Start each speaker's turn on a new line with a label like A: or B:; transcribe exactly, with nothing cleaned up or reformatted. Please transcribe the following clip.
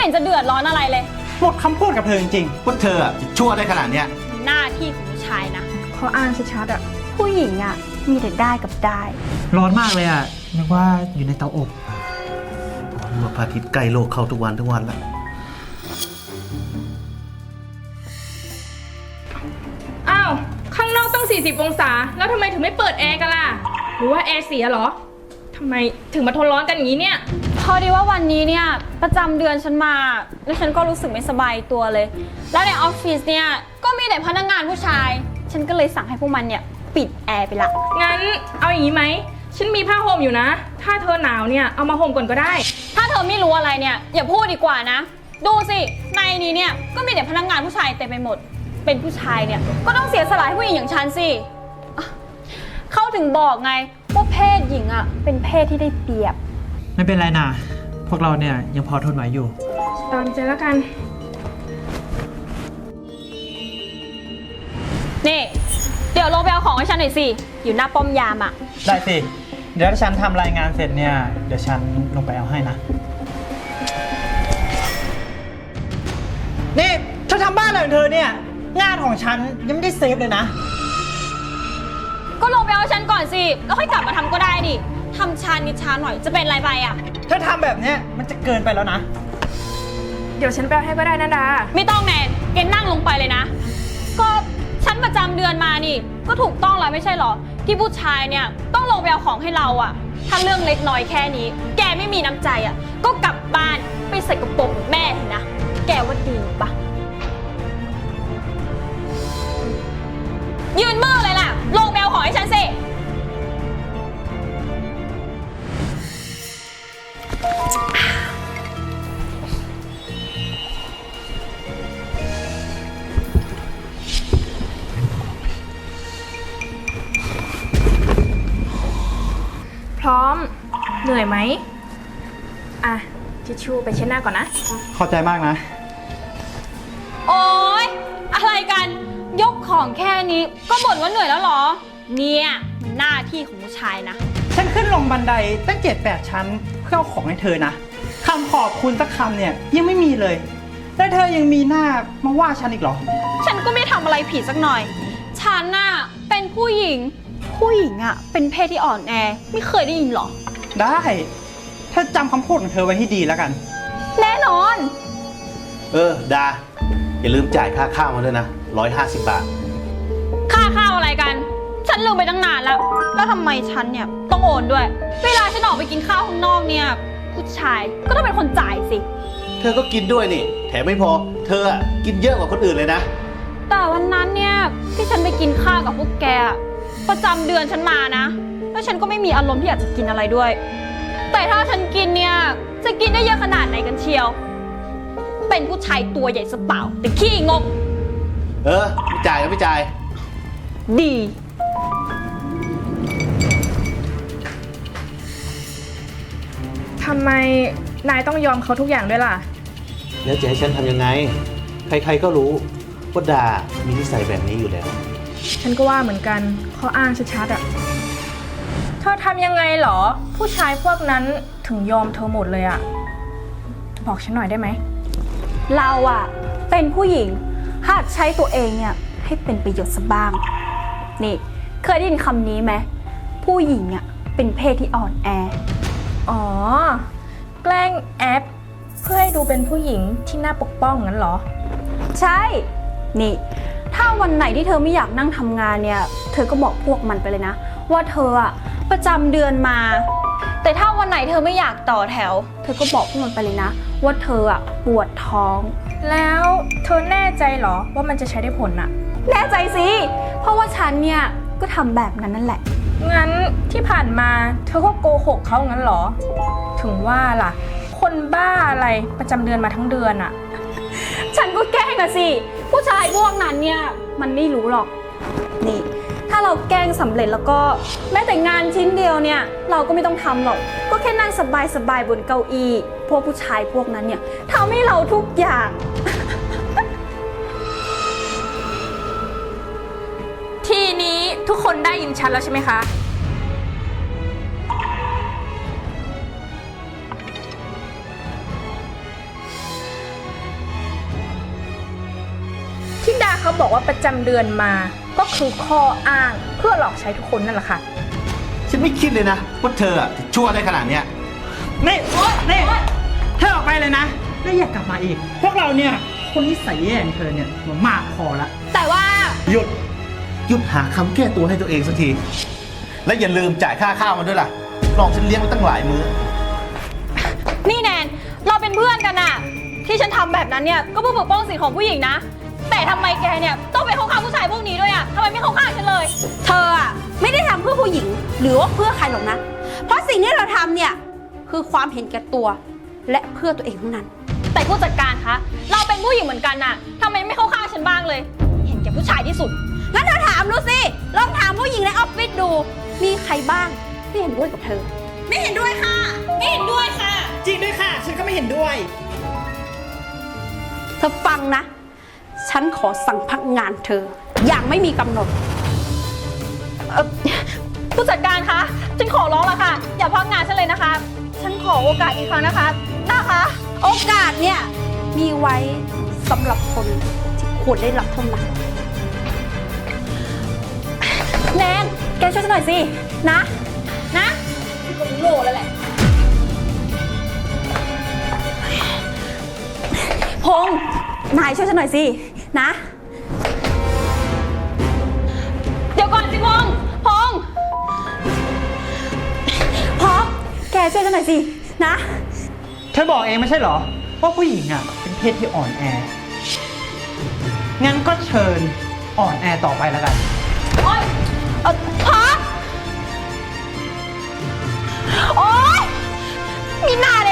A: เห็นจะเดือดร้อนอะไรเลย
B: หมดคำพูดกับเธอจริง
C: ๆว่าเธอจะชั่วได้ขนาดเนี้ย
A: หน้าที่ของผู้ชายนะ
D: เขาอ้างชัดๆอ่ะ
A: ผู้หญิงอ่ะมีแต่ได้กับได้
B: ร้อนมากเลยอ่ะนึกว่าอยู่ในเตาอบ
C: เมื่อพระอาทิตย์ใกล้โลกเข้าทุกวันทุกวันแล้ว
D: อ้าวข้างนอกต้องสี่สิบองศาแล้วทำไมถึงไม่เปิดแอร์กันล่ะหรือว่าแอร์เสียเหรอทำไมถึงมาทนร้อนกันอย่างนี้เนี่ย
A: พอดีว่าวันนี้เนี่ยประจำเดือนฉันมาแล้วฉันก็รู้สึกไม่สบายตัวเลยแล้วในออฟฟิศเนี่ยก็มีแต่พนักงานผู้ชายฉันก็เลยสั่งให้พวกมันเนี่ยปิดแอร์ไปละ
D: งั้นเอาอย่างนี้ไหมฉันมีผ้าห่มอยู่นะถ้าเธอหนาวเนี่ยเอามาห่มก่อนก็ได้
A: ถ้าเธอไม่รู้อะไรเนี่ยอย่าพูดดีกว่านะดูสิในนี้เนี่ยก็มีแต่พนักงานผู้ชายเต็มไปหมดเป็นผู้ชายเนี่ยก็ต้องเสียสละให้ผู้หญิงอย่างฉันสิเข้าถึงบอกไงว่าเพศหญิงอ่ะเป็นเพศที่ได้เปรียบ
B: ไม่เป็นไรนะพวกเราเนี่ยยังพอทนไหวอยู่
D: ตามใจแล้วกัน
A: นี่เดี๋ยวลงไปเอาของให้ฉันหน่อยสิอยู่หน้าป้อมยามอ่ะ
B: ได้สิเดี๋ยวถ้าฉันทำรายงานเสร็จเนี่ยเดี๋ยวฉันลงไปเอาให้นะนี่เธอทำบ้านอะไรของเธอเนี่ยงานของฉันยังไม่ได้เซฟเลยนะ
A: ก็ลงไปเอาฉันก่อนสิแล้วค่อยกลับมาทำก็ได้ดิทำชานิดช้าหน่อยจะเป็นไรไปอ่ะ
B: เธอทำแบบนี้มันจะเกินไปแล้วนะ
D: เดี๋ยวฉันแปลให้ก็ได้นะดา
A: ไม่ต้องแนนเกณฑ์นั่งลงไปเลยนะก็ฉันประจำเดือนมานี่ก็ถูกต้องแล้วไม่ใช่หรอที่ผู้ชายเนี่ยต้องลงไปเอาของให้เราอ่ะถ้าเรื่องเล็กน้อยแค่นี้แกไม่มีน้ำใจอ่ะก็กลับบ้านไปใส่กระโปรงแม่นะแกว่าดีปะยืนมือเลยล่ะลงไปเอาของให้ฉันสิ
D: พร้อมเหนื่อยไหมอ่ะทิชชู่ไปเช็ดหน้าก่อนนะ
B: ขอบใจมากนะ
A: โอ๊ยอะไรกันยกของแค่นี้ก็บ่นว่าเหนื่อยแล้วหรอเนี่ยมันหน้าที่ของผู้ชายนะ
B: ฉันขึ้นลงบันไดตั้งเจ็ดแปดชั้นเพื่อเอาของให้เธอนะคำขอบคุณสักคำเนี่ยยังไม่มีเลยแล้วเธอยังมีหน้ามาว่าฉันอีกเหรอ
A: ฉันก็ไม่ทำอะไรผิดสักหน่อยฉันน่ะเป็นผู้หญิงผู้หญิงอ่ะเป็นเพศที่อ่อนแอไม่เคยได้ยินหรอ
B: ได้ถ้าจำคำพูดของเธอไว้ให้ดีแล้วกัน
A: แน่นอน
C: เออดาอย่าลืมจ่ายค่าข้าวมาด้วยนะร้อยห้าสิบบาท
A: ค่าข้าวอะไรกันฉันลืมไปตั้งนานแล้วแล้วทำไมฉันเนี่ยต้องโอนด้วยเวลาฉันออกไปกินข้าวข้างนอกเนี่ยผู้ชายก็ต้องเป็นคนจ่ายสิ
C: เธอก็กินด้วยนี่แถมไม่พอเธอกินเยอะกว่าคนอื่นเลยนะ
A: แต่วันนั้นเนี่ยที่ฉันไปกินข้าวกับพวกแกประจำเดือนฉันมานะแล้วฉันก็ไม่มีอารมณ์ที่อยากจะกินอะไรด้วยแต่ถ้าฉันกินเนี่ยจะกินได้เยอะขนาดไหนกันเชียวเป็นผู้ชายตัวใหญ่สะเปล่าแต่ขี้งก
C: เออไม่จ่ายก็ไม่จ่าย
A: ดี
D: ทำไมนายต้องยอมเขาทุกอย่างด้วยล่ะ
C: แล้วจะให้ฉันทำยังไงใครๆก็รู้ว่าดามีนิสัยแบบนี้อยู่แล้ว
D: ฉันก็ว่าเหมือนกันข้ออ้างชัดๆอ่ะเธอทำยังไงหรอผู้ชายพวกนั้นถึงยอมเธอหมดเลยอ่ะบอกฉันหน่อยได้ไหม
A: เราอ่ะเป็นผู้หญิงหัดใช้ตัวเองเนี่ยให้เป็นประโยชน์สักบ้างนี่เคยได้ยินคำนี้ไหมผู้หญิงอ่ะเป็นเพศที่อ่อนแอ
D: อ๋อแกล้งแอปเพื่อให้ดูเป็นผู้หญิงที่น่าปกป้องงั้นเหรอ
A: ใช่นี่ถ้าวันไหนที่เธอไม่อยากนั่งทำงานเนี่ยเธอก็บอกพวกมันไปเลยนะว่าเธออะประจำเดือนมาแต่ถ้าวันไหนเธอไม่อยากต่อแถวเธอก็บอกพวกมันไปเลยนะว่าเธออะปวดท้อง
D: แล้วเธอแน่ใจเหรอว่ามันจะใช้ได้ผลอะ
A: แน่ใจสิเพราะว่าฉันเนี่ยก็ทำแบบนั้นนั่นแหละ
D: งั้นที่ผ่านมาเธอก็โกหกเขางั้นเหรอถึงว่าล่ะคนบ้าอะไรประจำเดือนมาทั้งเดือนอะ
A: ฉันก็แกล้งอะสิผู้ชายพวกนั้นเนี่ยมันไม่รู้หรอกนี่ถ้าเราแกล้งสำเร็จแล้วก็แม้แต่งานชิ้นเดียวเนี่ยเราก็ไม่ต้องทำหรอกก็แค่นั่งสบายๆบนเก้าอี้พวกผู้ชายพวกนั้นเนี่ยทำให้เราทุกอย่าง
D: ทีนี้ทุกคนได้ยินชัดแล้วใช่ไหมคะเขาบอกว่าประจำเดือนมา ก็คือข้ออ้างเพื่อหลอกใช้ทุกคนนั่นแหละค่ะ
C: ฉันไม่คิดเลยนะว่าเธออะจะชั่วได้ขนาดเนี้ย
B: นี่นี่เธอออกไปเลยนะแล้วอย่ากลับมาอีก พวกเราเนี่ยคนนิสัยแย่อย่างเธอเนี่ยมันมากพอละ
A: แต่ว่า
C: หยุด หยุดหาคำแก้ตัวให้ตัวเองสักที และอย่าลืมจ่ายค่าข้าวมันด้วยล่ะลองฉันเลี้ยงมาตั้งหลายมื้อ
A: นี่แนนเราเป็นเพื่อนกันอะที่ฉันทำแบบนั้นเนี่ยก็เพื่อปกป้องสิทธิของผู้หญิงนะ แต่ทำไมแกเนี่ยต้องไปเข้าข้างผู้ชายพวกนี้ด้วยอะทำไมไม่เข้าข้างฉันเลย
E: เธออะไม่ได้ทำเพื่อผู้หญิงหรือว่าเพื่อใครหรอกนะ เพราะสิ่งที่เราทำเนี่ยคือความเห็นแก่ตัวและเพื่อตัวเองทั้งนั้น
A: แต่ผู้จัดการคะเราเป็นผู้หญิงเหมือนกันน่ะทำไมไม่เข้าข้างฉันบ้างเลย เห็นแก่ผู้ชายที่สุด
E: งั้นเธอถามดูสิ ลองถามผู้หญิงในออฟฟิศดู มีใครบ้างที่เห็นด้วยกับเธอ
A: ไม่เห็นด้วยค่ะ ไม่เห็นด้วยค่ะ
B: จริงด้วยค่ะ ฉันก็ไม่เห็นด้วย
E: เธอฟังนะ ฉันขอสั่งพักงานเธอ อย่างไม่มีกำหนด
A: เอ่อผู้จัดการคะฉันขอร้องแล้วค่ะ อย่าพักงานฉันเลยนะคะ ฉันขอโอกาสอีกครั้งนะคะนะคะ
E: โอกาสเนี่ยมีไว้สำหรับคนที่ควรได้รับเท่านั้น
A: แนนแกช่วยฉันหน่อยสินะนะฉันก็รู้โลแล้วแหละพงษ์นายช่วยฉันหน่อยสินะ เดี๋ยวก่อนสิพงษ์พงษ์พงษ์แกช่วยฉันหน่อยสินะ
B: เธอบอกเองไม่ใช่เหรอ ว่าผู้หญิงอ่ะเป็นเพศที่อ่อนแอ งั้นก็เชิญอ่อนแอต่อไปแล้วกัน
A: โอ๊ยเออพงษ์โอ๊ยมีนาย